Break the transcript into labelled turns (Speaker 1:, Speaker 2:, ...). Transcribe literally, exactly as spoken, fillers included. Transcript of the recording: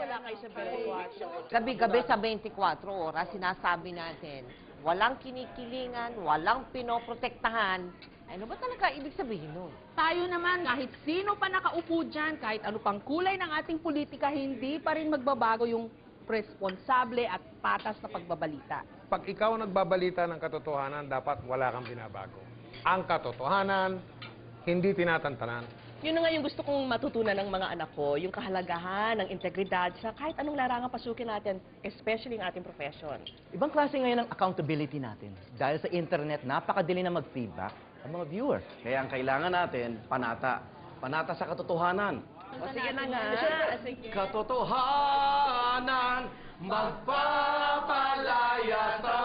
Speaker 1: wala kayo sa twenty-four.
Speaker 2: Gabi-gabi sa twenty-four oras, sinasabi natin, walang kinikilingan, walang pinoprotektahan. Ano ba talaga ibig sabihin nun?
Speaker 3: Tayo naman, kahit sino pa nakaupo dyan, kahit ano pang kulay ng ating politika, hindi pa rin magbabago yung responsable at patas na pagbabalita.
Speaker 4: Pag ikaw nagbabalita ng katotohanan, dapat wala kang binabago. Ang katotohanan, hindi tinatantanan.
Speaker 1: Yun na nga yung gusto kong matutunan ng mga anak ko, yung kahalagahan ng integridad sa kahit anong larangan pasukin natin, especially ang ating profession.
Speaker 5: Ibang klase ngayon ang accountability natin. Dahil sa internet, napakadali na mag-feedback ang mga viewers.
Speaker 6: Kaya ang kailangan natin, panata. Panata sa katotohanan.
Speaker 1: O sige na nga. Sige.
Speaker 6: Katotohanan, magpapalaya sa